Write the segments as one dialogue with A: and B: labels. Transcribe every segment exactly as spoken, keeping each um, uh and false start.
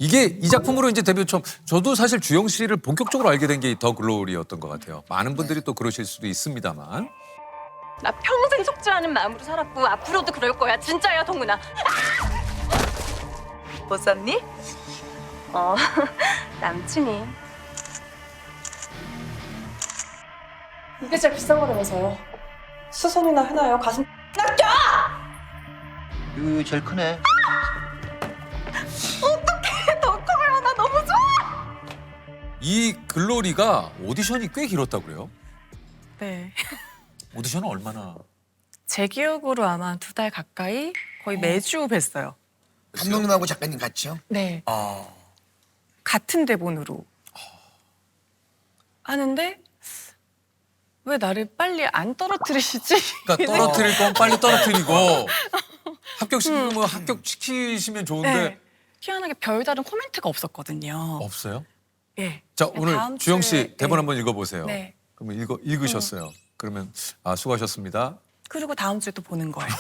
A: 이게 이 작품으로 이제 데뷔 처음. 저도 사실 주영 씨를 본격적으로 알게 된 게 더 글로리였던 것 같아요. 많은 분들이 또 그러실 수도 있습니다만.
B: 나 평생 속지 않은 마음으로 살았고 앞으로도 그럴 거야. 진짜야, 동문아. 못 샀니? 어, 남친이. 이게 제일 비싼 거라면서요. 수선이나 해놔요. 가슴 낚여!
C: 이거 제일 크네.
B: 어떡해, 더 커요. 나 너무 좋아.
A: 이 글로리가 오디션이 꽤 길었다고 그래요?
D: 네.
A: 오디션은 얼마나?
D: 제 기억으로 아마 두 달 가까이 거의 매주 뵀어요.
C: 감독님하고 작가님 같이요?
D: 네.
C: 아.
D: 같은 대본으로 하는데 왜 나를 빨리 안 떨어뜨리시지?
A: 그러니까 떨어뜨릴 건 빨리 떨어뜨리고 합격시키면 뭐 합격시키시면 좋은데
D: 네. 희한하게 별다른 코멘트가 없었거든요.
A: 없어요?
D: 예.
A: 자,
D: 네,
A: 오늘
D: 다음
A: 주영 씨
D: 주에-
A: 대본
D: 네.
A: 한번 읽어보세요.
D: 네.
A: 그러면 읽어, 읽으셨어요. 그러면 아 수고하셨습니다.
D: 그리고 다음 주에 또 보는 거예요.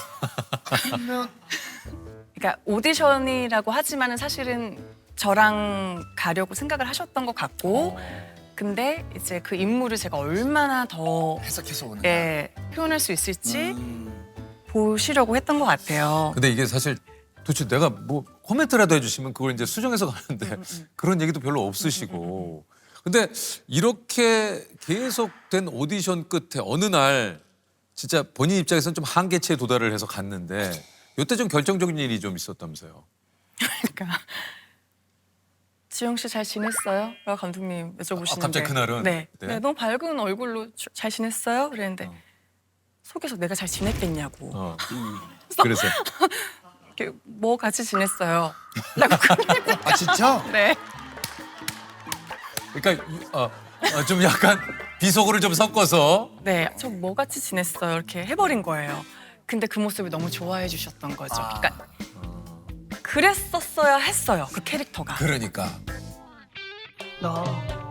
D: 그러니까 오디션이라고 하지만은 사실은 저랑 가려고 생각을 하셨던 것 같고, 근데 이제 그 인물을 제가 얼마나 더
C: 해석해서 오는.
D: 예, 표현할 수 있을지
C: 음.
D: 보시려고 했던 것 같아요.
A: 근데 이게 사실 도대체 내가 뭐 코멘트라도 해주시면 그걸 이제 수정해서 가는데 그런 얘기도 별로 없으시고. 근데 이렇게 계속된 오디션 끝에 어느 날 진짜 본인 입장에서는 좀 한계치에 도달을 해서 갔는데 이때 좀 결정적인 일이 좀 있었다면서요.
D: 그러니까 지영 씨 잘 지냈어요? 라고 감독님 여쭤보시는데
A: 아, 갑자기 그날은?
D: 네.
A: 네.
D: 네, 너무 밝은 얼굴로 주- 잘 지냈어요? 그랬는데
A: 어.
D: 속에서 내가 잘 지냈겠냐고.
A: 어. 그래서
D: 이렇게 뭐 같이 지냈어요? 라고 그러는데
C: 아 진짜?
D: 네.
A: 그러니까 이- 어, 어, 좀 약간 비속어를 좀 섞어서
D: 네, 저 뭐 같이 지냈어요? 이렇게 해버린 거예요. 근데 그 모습을 너무 좋아해 주셨던 거죠.
C: 아.
D: 그러니까 그랬었어야 했어요. 그 캐릭터가.
A: 그러니까
B: 너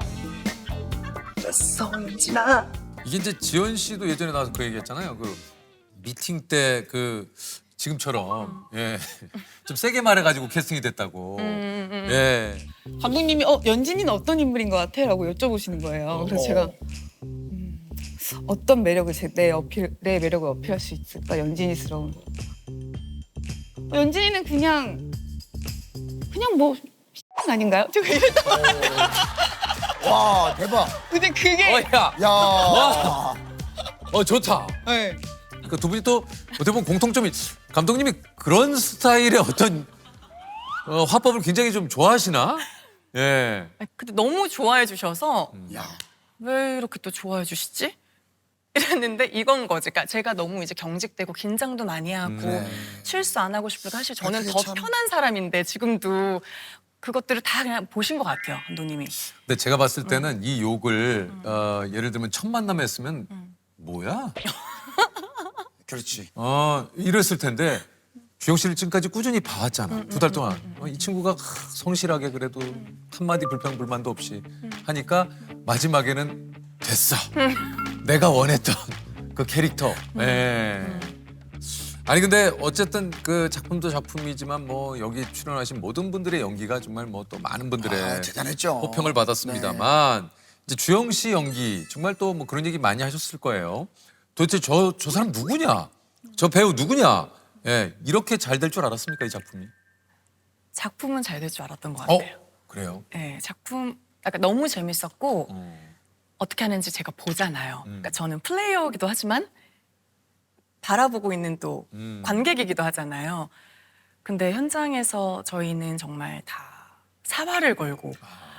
B: 됐어, 윤진아.
A: 이게 이제 지연 씨도 예전에 나와서 그 얘기했잖아요. 그 미팅 때 그 지금처럼 예. 좀 세게 말해가지고 캐스팅이 됐다고.
D: 음,
A: 예.
E: 감독님이 어 연진이는 어떤 인물인 것 같아?라고 여쭤보시는 거예요. 그래서 제가 음, 어떤 매력을 제, 내 어필 내 매력을 어필할 수 있을까 연진이스러운. 어, 연진이는 그냥 그냥 뭐 아닌가요? 제가 이랬다.
C: 와 대박.
E: 근데 그게
A: 어야.
C: 야.
A: 어 좋다.
E: 네.
A: 그 두 분이 또 어떻게 보면 공통점이 감독님이 그런 스타일의 어떤 어, 화법을 굉장히 좀 좋아하시나? 예.
D: 아니, 근데 너무 좋아해 주셔서
C: 야.
D: 왜 이렇게 또 좋아해 주시지? 이랬는데 이건 거지. 그러니까 제가 너무 이제 경직되고 긴장도 많이 하고
A: 네.
D: 실수 안 하고 싶고 사실 저는
C: 그게
D: 더
C: 참-
D: 편한 사람인데 지금도 그것들을 다 그냥 보신 것 같아요, 감독님이.
A: 근데 제가 봤을 때는 이 욕을 어, 예를 들면 첫 만남에 했으면 뭐야?
C: 그렇지.
A: 어 이랬을 텐데 주영 씨를 지금까지 꾸준히 봐왔잖아. 두 달 동안 어, 이 친구가 성실하게 그래도 한마디 불평 불만도 없이 하니까 마지막에는 됐어. 내가 원했던 그 캐릭터. 예. 아니 근데 어쨌든 그 작품도 작품이지만 뭐 여기 출연하신 모든 분들의 연기가 정말 뭐 또 많은 분들의
C: 아, 대단했죠.
A: 호평을 받았습니다만 이제 주영 씨 연기 정말 또 뭐 그런 얘기 많이 하셨을 거예요. 도대체 저 저 사람 누구냐? 저 배우 누구냐? 예, 이렇게 잘 될 줄 알았습니까 이 작품이?
D: 작품은 잘 될 줄 알았던 것
A: 어,
D: 같아요.
A: 그래요.
D: 네, 작품 약간 너무 재밌었고
A: 어.
D: 어떻게 하는지 제가 보잖아요.
A: 음.
D: 그러니까 저는 플레이어이기도 하지만 바라보고 있는 또
A: 음.
D: 관객이기도 하잖아요. 근데 현장에서 저희는 정말 다 사활을 걸고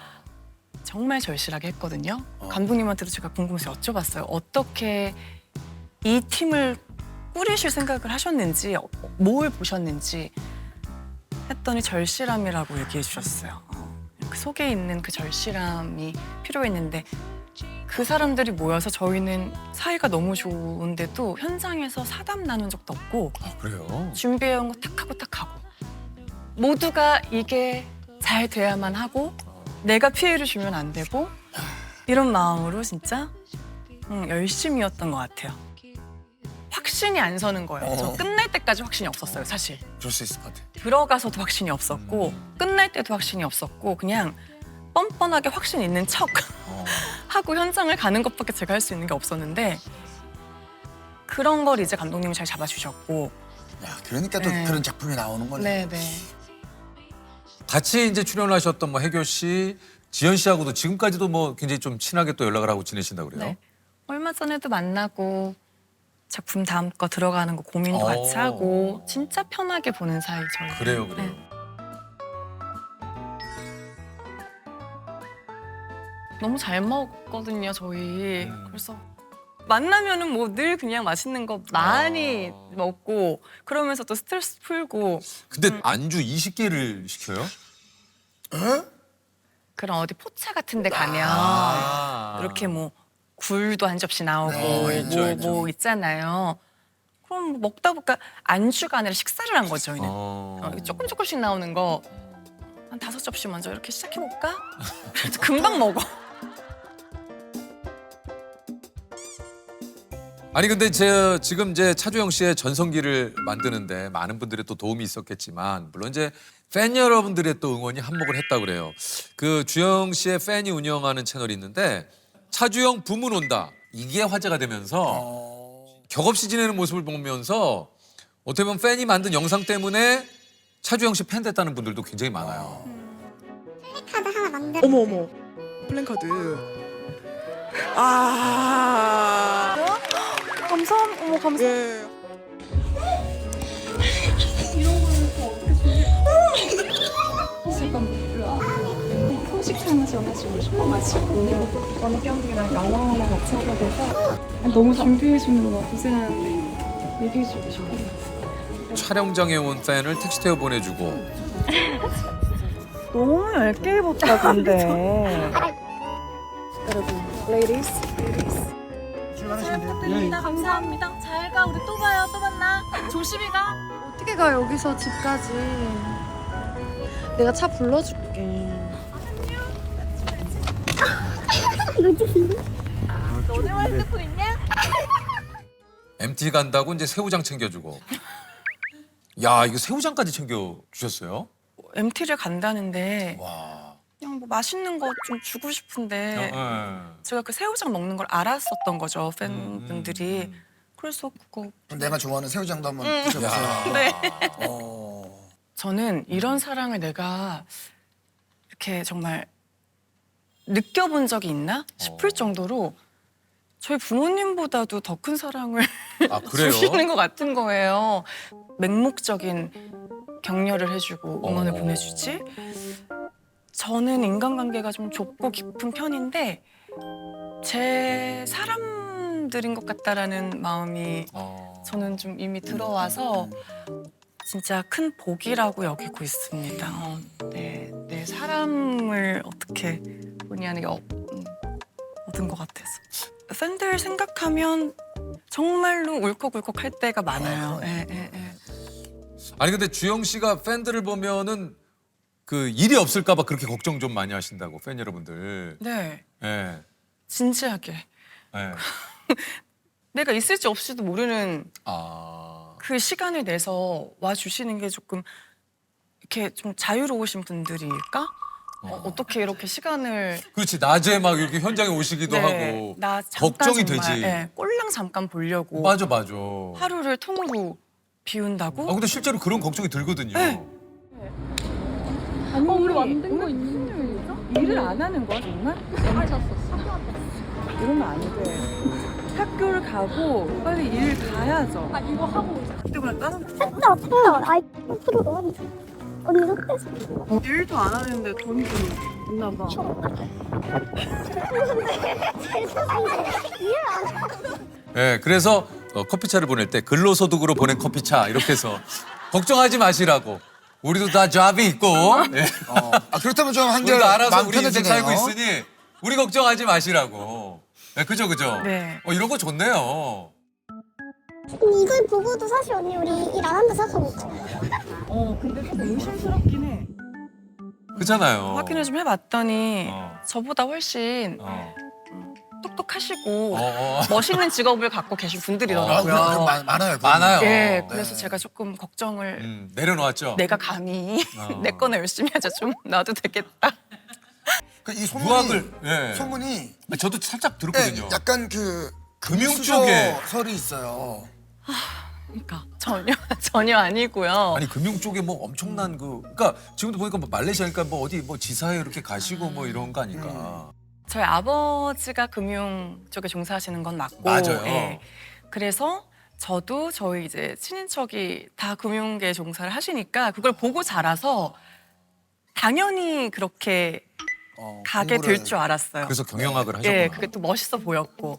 D: 정말 절실하게 했거든요. 감독님한테도 제가 궁금해서 여쭤봤어요. 어떻게 이 팀을 꾸리실 생각을 하셨는지, 어, 뭘 보셨는지 했더니 절실함이라고 얘기해 주셨어요. 어, 그 속에 있는 그 절실함이 필요했는데 그 사람들이 모여서 저희는 사이가 너무 좋은데도 현장에서 사담 나눈 적도 없고
A: 아, 그래요.
D: 준비해온 거 탁 하고 딱 하고 모두가 이게 잘 돼야만 하고 내가 피해를 주면 안 되고 이런 마음으로 진짜 응, 열심히였던 것 같아요. 확신이 안 서는 거예요. 저
C: 어.
D: 끝날 때까지 확신이 없었어요, 사실.
C: 그럴 수 있을 것 같아.
D: 들어가서도 확신이 없었고
A: 음.
D: 끝날 때도 확신이 없었고 그냥 뻔뻔하게 확신 있는 척
A: 어.
D: 하고 현장을 가는 것밖에 제가 할 수 있는 게 없었는데 그런 걸 이제 감독님이 잘 잡아주셨고
C: 야, 그러니까 또
D: 네.
C: 그런 작품이 나오는 거네.
D: 네네.
A: 같이 이제 출연하셨던 뭐 혜교 씨, 지연 씨하고도 지금까지도 뭐 굉장히 좀 친하게 또 연락을 하고 지내신다고 그래요?
D: 네. 얼마 전에도 만나고 작품 다음 거 들어가는 거 고민도
A: 어.
D: 같이 하고 진짜 편하게 보는 사이 저희.
A: 그래요, 그래요.
D: 네. 너무 잘 먹거든요 저희.
A: 음.
D: 그래서 만나면은 뭐 늘 그냥 맛있는 거 많이
A: 아.
D: 먹고 그러면서 또 스트레스 풀고
A: 근데
D: 음.
A: 안주 이십 개를 시켜요?
D: 그런 어디 포차 같은 데 가면
A: 아.
D: 이렇게 뭐 굴도 한 접시 나오고
C: 네, 있죠,
D: 뭐,
C: 있죠.
D: 뭐 있잖아요. 그럼 먹다 보니까 안주가 아니라 식사를 한 거죠 저희는.
A: 어.
D: 어, 조금 조금씩 나오는 거 한 다섯 접시 먼저 이렇게 시작해 볼까? 그래도 금방 먹어.
A: 아니 근데 제 지금 이제 차주영 씨의 전성기를 만드는데 많은 분들의 또 도움이 있었겠지만 물론 이제 팬 여러분들의 또 응원이 한몫을 했다고 그래요. 그 주영 씨의 팬이 운영하는 채널이 있는데 차주영 부문 온다 이게 화제가 되면서
C: 어.
A: 격없이 지내는 모습을 보면서 어떻게 보면 팬이 만든 영상 때문에 차주영 씨 팬 됐다는 분들도 굉장히 많아요.
F: 카드 하나 만들어.
G: 어머 어머 플랜카드 아
F: 감사함. 어머 감사.
G: 예.
F: 소식 하나 전해주고 싶어가지고 원경이랑 영화 하나 같이 하게 돼서 너무 준비해주는 거 고생하는데 얘기해주고 싶어요.
A: 촬영장에 온 팬을 텍스트에 보내주고
E: 너무 얇게 입었다 근데.
F: 여러분, ladies.
B: 부탁드립니다. 감사합니다. 잘 가. 우리 또 봐요. 또 만나. 조심히 가.
F: 어떻게 가 여기서 집까지? 내가 차 불러줄게.
B: 너네만 핸드폰 있냐?
A: 엠티 간다고 이제 새우장 챙겨주고 야 이거 새우장까지 챙겨주셨어요?
D: 엠티를 간다는데
A: 와.
D: 그냥 뭐 맛있는 거 좀 주고 싶은데
A: 어,
D: 제가 그 새우장 먹는 걸 알았었던 거죠 팬분들이.
A: 음, 음.
D: 그래서 그거
C: 그럼 내가 좋아하는 새우장도 한번
A: 야.
C: 드셔보세요.
D: 네.
C: 어.
D: 저는 이런 사랑을 내가 이렇게 정말 느껴본 적이 있나 싶을
A: 어.
D: 정도로 저희 부모님보다도 더 큰 사랑을
A: 아 그래요?
D: 주시는 것 같은 거예요. 맹목적인 격려를 해주고 응원을
A: 어.
D: 보내주지. 저는 인간관계가 좀 좁고 깊은 편인데 제 사람들인 것 같다라는 마음이
A: 어.
D: 저는 좀 이미 들어와서 진짜 큰 복이라고 여기고 있습니다. 어, 네, 내 사람을 어떻게 본의 아니게 어, 음, 얻은 것 같아서. 팬들 생각하면 정말로 울컥울컥 할 때가 많아요. 예, 예, 예.
A: 아니 근데 주영 씨가 팬들을 보면은 그 일이 없을까봐 그렇게 걱정 좀 많이 하신다고 팬 여러분들.
D: 네,
A: 예.
D: 진지하게.
A: 예.
D: 내가 있을지 없을지도 모르는
A: 아.
D: 그 시간을 내서 와주시는 게 조금 이렇게 좀 자유로우신 분들일까? 어, 어떻게 이렇게 시간을
A: 그렇지 낮에 막 이렇게 현장에 오시기도
D: 네,
A: 하고
D: 나 잠깐
A: 걱정이
D: 정말,
A: 되지.
D: 네, 꼴랑 잠깐 보려고
A: 맞아 맞아.
D: 하루를 통으로 비운다고?
A: 아 근데 실제로 그런 걱정이 들거든요.
D: 네.
F: 아니 우리 만든 거 있는
E: 일을 안 하는 거야 정말? 이러면 안 돼. 학교를 가고 빨리 일 가야죠.
F: 아 이거 하고
E: 학교가 다른
F: 진짜 아파요. 아이 프로 너무 언니 어때서?
E: 일도 안 하는데 돈이 좀 있나 봐.
A: 예, 그래서 어, 커피차를 보낼 때 근로소득으로 보낸 커피차 이렇게 해서 걱정하지 마시라고. 우리도 다 잡이 있고 예.
C: 어. 아, 그렇다면 좀 한결
A: 우리도 알아서
C: 마음
A: 우리 인생
C: 편해지네요.
A: 살고 있으니 우리 걱정하지 마시라고. 예, 그죠 그죠.
D: 네.
A: 어, 이런 거 좋네요.
F: 이걸 보고도 사실 언니 우리 일 안 한다 생각하고 있죠.
E: 어 근데 좀 의심스럽긴 해.
A: 그렇잖아요.
D: 확인을 좀 해봤더니
A: 어.
D: 저보다 훨씬
A: 어.
D: 똑똑하시고
A: 어, 어.
D: 멋있는 직업을 갖고 계신
C: 아,
D: 분들이더라고요.
C: 그래, 많- 많아요.
A: 많아요.
D: 예,
A: 어.
D: 그래서 제가 조금 걱정을
A: 음, 내려놓았죠.
D: 내가 감히
A: 어.
D: 내 거나 열심히 하자 좀 놔도 되겠다.
C: 그 이 소문이
A: 유학을 예.
C: 소문이
A: 저도 살짝
C: 예,
A: 들었거든요.
C: 약간 그
A: 금융
C: 수저
A: 쪽에.
C: 설이 있어요.
D: 그러니까 전혀 전혀 아니고요.
A: 아니 금융 쪽에 뭐 엄청난 그 그러니까 지금도 보니까 뭐 말레이시아니까 뭐 어디 뭐 지사에 이렇게 가시고 뭐 이런 거 아닐까.
D: 저희 아버지가 금융 쪽에 종사하시는 건 맞고,
A: 맞아요.
D: 예. 그래서 저도 저희 이제 친인척이 다 금융계 종사를 하시니까 그걸 보고 자라서 당연히 그렇게
C: 어,
D: 가게
C: 공부를.
D: 될 줄 알았어요.
A: 그래서 경영학을 하셨구나.
D: 예, 그게 또 멋있어 보였고.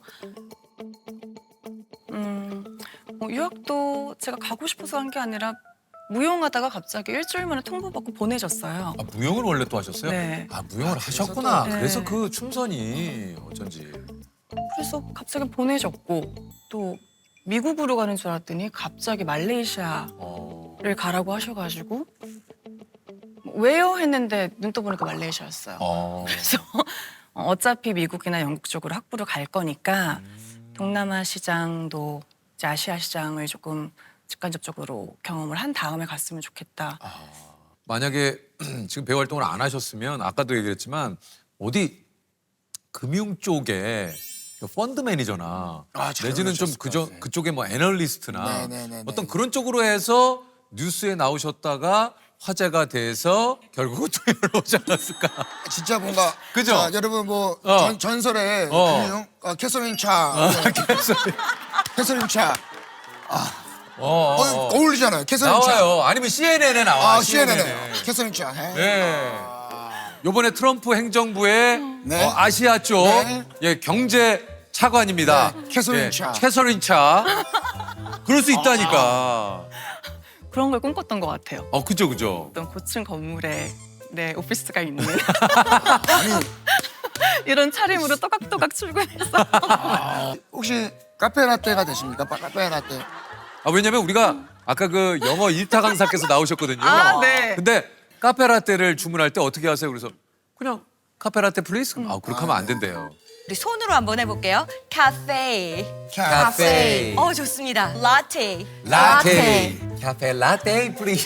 D: 음, 뭐 유학도 제가 가고 싶어서 한 게 아니라 무용하다가 갑자기 일주일 만에 통보받고 보내졌어요.
A: 아, 무용을 원래 또 하셨어요?
D: 네.
A: 아 무용을 하셨구나.
D: 네.
A: 그래서 그 춤선이 어쩐지.
D: 그래서 갑자기 보내졌고 또 미국으로 가는 줄 알았더니 갑자기 말레이시아를
A: 어.
D: 가라고 하셔가지고 왜요 했는데 눈 떠보니까 말레이시아였어요.
A: 어.
D: 그래서 어차피 미국이나 영국 쪽으로 학부를 갈 거니까 동남아 시장도 이제 아시아 시장을 조금 직간접적으로 경험을 한 다음에 갔으면 좋겠다.
A: 만약에 지금 배우 활동을 안 하셨으면 아까도 얘기했지만 어디 금융 쪽에 그 펀드 매니저나
C: 아, 잘
A: 내지는 좀
C: 어울리셨을
A: 그저
C: 것 같아요.
A: 그쪽에 뭐 애널리스트나
C: 네네네네.
A: 어떤 그런 쪽으로 해서 뉴스에 나오셨다가 화제가 돼서 결국은 또 여기로 오지 않았을까.
C: 진짜 뭔가
A: 그죠?
C: 자, 여러분 뭐
A: 어.
C: 전, 전설의
A: 어.
C: 금융 어, 캐서린 차 캐서린 차
A: 어,
C: 어,
A: 어, 어.
C: 어울리잖아요. 캐서린 차.
A: 나와요. 아니면 씨엔엔에 나와.
C: 아, 씨엔엔에 캐서린 차. 해.
A: 네. 요번에 트럼프 행정부의
C: 네.
A: 어, 아시아 쪽
C: 네.
A: 예, 경제 차관입니다.
C: 네, 캐서린
A: 예,
C: 차.
A: 캐서린 차. 그럴 수 있다니까.
D: 그런 걸 꿈꿨던 것 같아요.
A: 어, 그죠, 그죠.
D: 어떤 고층 건물에 내 오피스가 있는
C: 아니
D: 이런 차림으로 또각또각 출근해서
C: 혹시 카페 라떼가 되십니까? 바- 카페 라떼.
A: 아, 왜냐면 우리가 아까 그 영어 일타 강사께서 나오셨거든요.
D: 아, 네.
A: 근데 카페라떼를 주문할 때 어떻게 하세요? 그래서 그냥 카페라떼 플리즈? 아, 그렇게 하면 안 된대요.
H: 우리 손으로 한번 해볼게요. 카페.
A: 카페.
H: 어 좋습니다. 라떼.
A: 라떼. 카페 라떼 플리즈.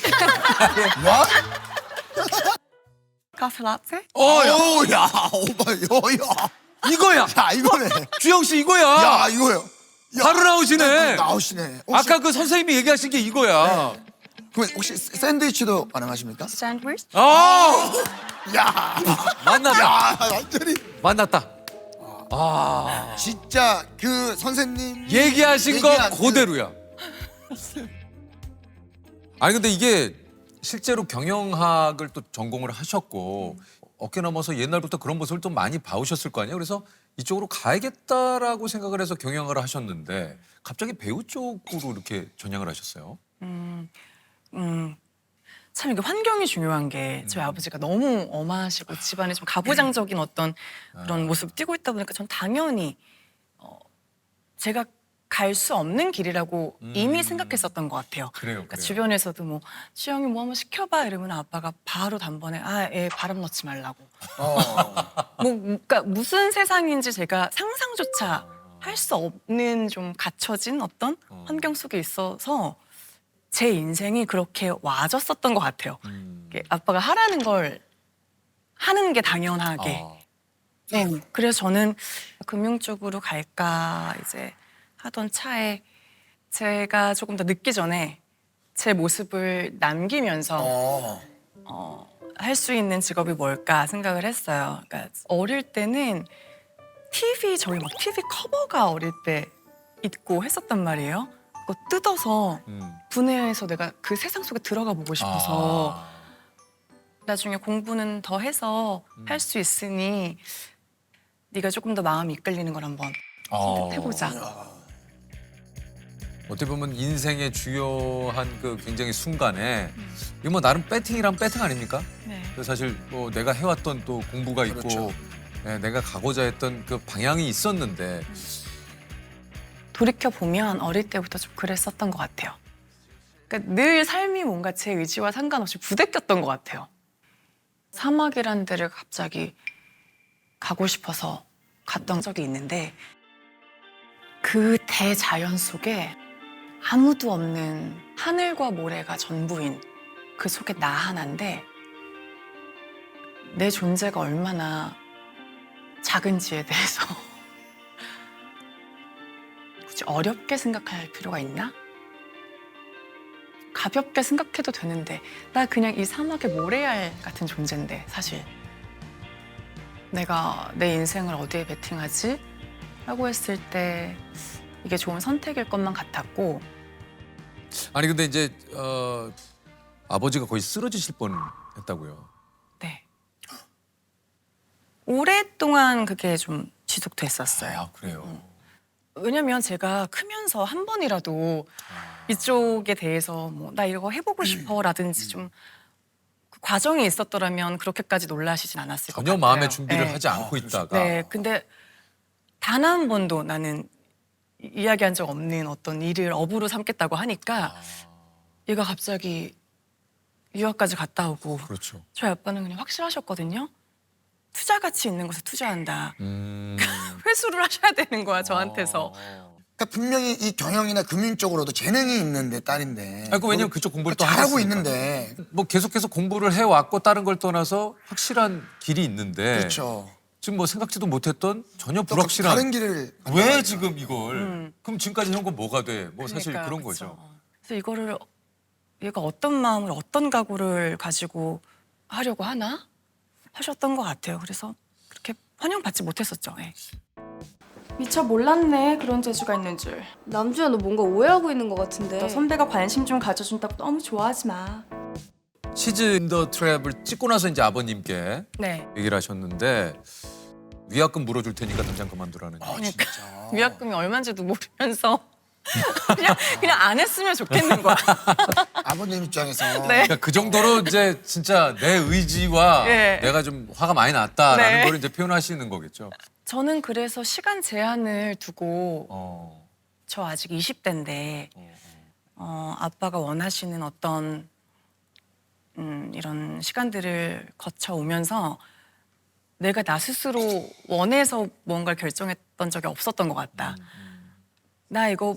D: 카페 라떼?
A: 어, 야,
C: 오, 야, 오빠, 요, 야.
A: 이거야.
C: 야, 이거네.
A: 주영 씨 이거야.
C: 야, 이거요. 야,
A: 바로 나오시네.
C: 나오시네. 혹시,
A: 아까 그 선생님이 얘기하신 게 이거야.
C: 그럼 혹시 샌드위치도 가능하십니까?
D: 샌드위치?
A: 아,
C: 야,
A: 만났다.
C: 야, 완전히
A: 만났다. 아,
C: 진짜 그 선생님
A: 얘기하신 거
C: 얘기한 그-
A: 그대로야. 아니 근데 이게 실제로 경영학을 또 전공을 하셨고 어깨 넘어서 옛날부터 그런 모습을 좀 많이 봐오셨을 거 아니에요. 그래서 이쪽으로 가야겠다라고 생각을 해서 경영을 하셨는데 갑자기 배우 쪽으로 이렇게 전향을 하셨어요.
D: 음, 음, 참 이게 환경이 중요한 게 저희 아버지가 너무 엄하시고 집안에 좀 가부장적인 어떤 그런 모습을 띠고 있다 보니까 전 당연히 어, 제가 갈 수 없는 길이라고 이미 생각했었던 것 같아요.
A: 그래요,
D: 그러니까
A: 그래요.
D: 주변에서도 뭐 주영이 뭐 한번 시켜봐 이러면 아빠가 바로 단번에 아애 바람 넣지 말라고. 뭐 그러니까 무슨 세상인지 제가 상상조차 할 수 없는 좀 갖춰진 어떤 환경 속에 있어서 제 인생이 그렇게 와졌었던 것 같아요.
A: 음.
D: 이게 아빠가 하라는 걸 하는 게 당연하게.
A: 아,
D: 네. 그래서 저는 금융 쪽으로 갈까 이제 하던 차에 제가 조금 더 늦기 전에 제 모습을 남기면서
C: 어.
D: 할 수 있는 직업이 뭘까 생각을 했어요. 그러니까 어릴 때는 티비 저희 막 티비 커버가 어릴 때 있고 했었단 말이에요. 그거 뜯어서
A: 음.
D: 분해해서 내가 그 세상 속에 들어가 보고 싶어서
A: 아.
D: 나중에 공부는 더 해서 할 수 있으니 네가 조금 더 마음이 이끌리는 걸 한번
A: 어.
D: 해보자.
A: 어떻게 보면 인생의 주요한 그 굉장히 순간에 이거 뭐 나름 배팅이란 배팅 아닙니까?
D: 네.
A: 그 사실 뭐 내가 해왔던 또 공부가 있고
C: 그렇죠.
A: 네, 내가 가고자 했던 그 방향이 있었는데
D: 돌이켜 보면 어릴 때부터 좀 그랬었던 것 같아요. 그러니까 늘 삶이 뭔가 제 의지와 상관없이 부대꼈던 것 같아요. 사막이란 데를 갑자기 가고 싶어서 갔던 적이 있는데 그 대자연 속에 아무도 없는 하늘과 모래가 전부인 그 속에 나 하나인데 내 존재가 얼마나 작은지에 대해서 굳이 어렵게 생각할 필요가 있나? 가볍게 생각해도 되는데 나 그냥 이 사막의 모래알 같은 존재인데 사실 내가 내 인생을 어디에 베팅하지? 라고 했을 때 이게 좋은 선택일 것만 같았고
A: 아니 근데 이제 어, 아버지가 거의 쓰러지실 뻔했다고요.
D: 네. 오랫동안 그게 좀 지속됐었어요.
A: 아 그래요.
D: 왜냐면 제가 크면서 한 번이라도 이쪽에 대해서 뭐 나 이거 해보고 싶어라든지 좀 그 과정이 있었더라면 그렇게까지 놀라시진 않았을 것
A: 전혀
D: 같아요.
A: 마음의 준비를
D: 네.
A: 하지 않고 있다가
D: 네, 근데 단 한 번도 나는 이- 이야기한 적 없는 어떤 일을 업으로 삼겠다고 하니까 얘가 갑자기 유학까지 갔다 오고
A: 그렇죠.
D: 저희 아빠는 그냥 확실하셨거든요. 투자 가치 있는 곳에 투자한다.
A: 음.
D: 회수를 하셔야 되는 거야 저한테서.
A: 어.
C: 그러니까 분명히 이 경영이나 금융 쪽으로도 재능이 있는데 딸인데.
A: 아니, 그 왜냐면 그쪽 공부를 또
C: 잘하고
A: 하셨으니까.
C: 있는데.
A: 뭐 계속해서 공부를 해왔고 다른 걸 떠나서 확실한 길이 있는데
C: 그렇죠.
A: 지금 뭐 생각지도 못했던 전혀
C: 또
A: 불확실한
C: 다른 길을.
A: 왜 지금 이걸
D: 음.
A: 그럼 지금까지 한 건 뭐가 돼? 뭐 사실
D: 그러니까요,
A: 그런
D: 그쵸.
A: 거죠.
D: 그래서 이거를 얘가 어떤 마음을 어떤 각오를 가지고 하려고 하나 하셨던 것 같아요. 그래서 그렇게 환영받지 못했었죠. 예.
I: 미처 몰랐네 그런 재주가 있는 줄. 남주야 너 뭔가 오해하고 있는 것 같은데. 너 선배가 관심 좀 가져준다고 너무 좋아하지 마.
A: 시즈 인더 트랩을 찍고 나서 이제 아버님께
D: 네.
A: 얘기를 하셨는데 위약금 물어줄 테니까 당장 그만두라는.
C: 아
D: 그러니까.
C: 진짜.
D: 위약금이 얼마인지도 모르면서 그냥 그냥 안 했으면 좋겠는 거야.
C: 아버님 입장에서.
D: 네.
A: 그러니까 그 정도로 이제 진짜 내 의지와
D: 네.
A: 내가 좀 화가 많이 났다라는
D: 네.
A: 걸 이제 표현하시는 거겠죠.
D: 저는 그래서 시간 제한을 두고
A: 어.
D: 저 아직 이십 대인데 어, 아빠가 원하시는 어떤 음, 이런 시간들을 거쳐오면서 내가 나 스스로 원해서 뭔가를 결정했던 적이 없었던 것 같다. 나 이거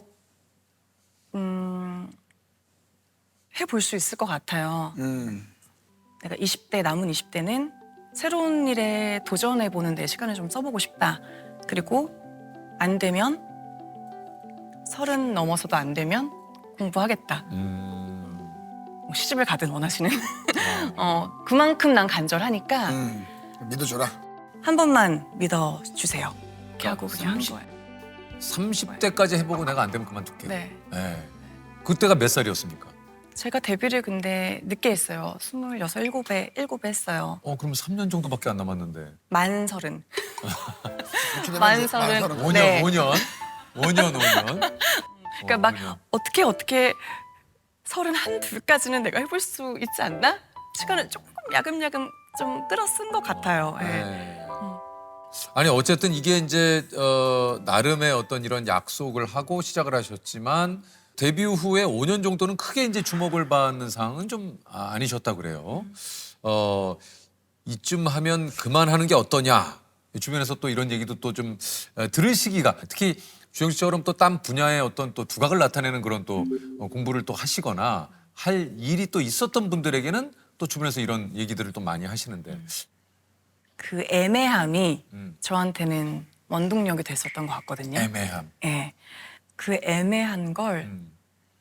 D: 음, 해볼 수 있을 것 같아요.
C: 음.
D: 내가 이십 대 남은 이십 대는 새로운 일에 도전해보는 데 시간을 좀 써보고 싶다. 그리고 안 되면 서른 넘어서도 안 되면 공부하겠다.
A: 음.
D: 뭐 시집을 가든 원하시는. 어, 그만큼 난 간절하니까
C: 음. 믿어줘라.
D: 한 번만 믿어주세요. 이렇게 하고 그냥 한
A: 삼십
D: 거예요.
A: 삼십 대까지 해보고 내가 안 되면 그만둘게.
D: 네.
A: 네. 그때가 몇 살이었습니까?
D: 제가 데뷔를 근데 늦게 했어요. 스물여섯, 일곱에, 일곱에 했어요.
A: 어 그럼 삼 년 정도밖에 안 남았는데.
D: 만 서른.
C: 이렇게 되면
D: 만
C: 이제
D: 서른.
C: 만
A: 오 년,
D: 네.
A: 오 년, 오 년, 오 년.
D: 그러니까 막 어떻게 어떻게 서른 한 둘까지는 내가 해볼 수 있지 않나? 시간을 조금 야금야금 좀 끌어 쓴 것 같아요. 예.
A: 네. 아니 어쨌든 이게 이제 어, 나름의 어떤 이런 약속을 하고 시작을 하셨지만 데뷔 후에 오 년 정도는 크게 이제 주목을 받는 상황은 좀 아, 아니셨다 그래요. 어 이쯤 하면 그만하는 게 어떠냐. 주변에서 또 이런 얘기도 또 좀 들을 시기가 특히 주영 씨처럼 또 딴 분야의 어떤 또 두각을 나타내는 그런 또 어, 공부를 또 하시거나 할 일이 또 있었던 분들에게는 또 주변에서 이런 얘기들을 또 많이 하시는데.
D: 그 애매함이
A: 음.
D: 저한테는 원동력이 됐었던 것 같거든요.
A: 애매함.
D: 예. 그 애매한 걸
A: 음.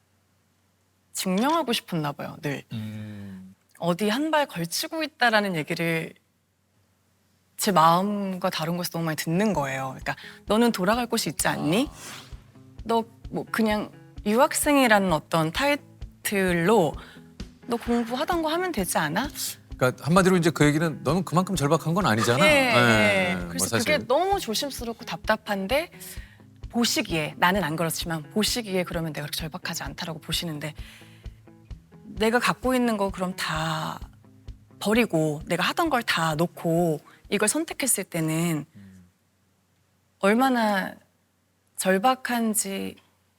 D: 증명하고 싶었나 봐요, 늘.
A: 음.
D: 어디 한 발 걸치고 있다라는 얘기를 제 마음과 다른 곳에서 너무 많이 듣는 거예요. 그러니까 너는 돌아갈 곳이 있지 않니? 너 뭐 그냥 유학생이라는 어떤 타이틀로 너 공부하던 거 하면 되지 않아?
A: 그러니까 한마디로 이제 그 얘기는 너는 그만큼 절박한 건 아니잖아.
D: 예,
A: 예,
D: 예.
A: 뭐
D: 그래서
A: 사실.
D: 그게 너무 조심스럽고 답답한데 보시기에 나는 안 그렇지만 보시기에 그러면 내가 그렇게 절박하지 않다라고 보시는데 내가 갖고 있는 거 그럼 다 버리고 내가 하던 걸 다 놓고 이걸 선택했을 때는 얼마나 절박한지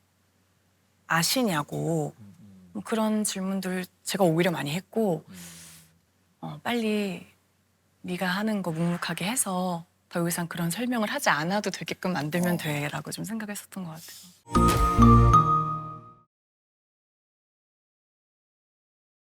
D: 아시냐고 뭐 그런 질문들 제가 오히려 많이 했고 어, 빨리 네가 하는 거 묵묵하게 해서 더 이상 그런 설명을 하지 않아도 되게끔 만들면 돼라고 좀 생각했었던 것 같아요.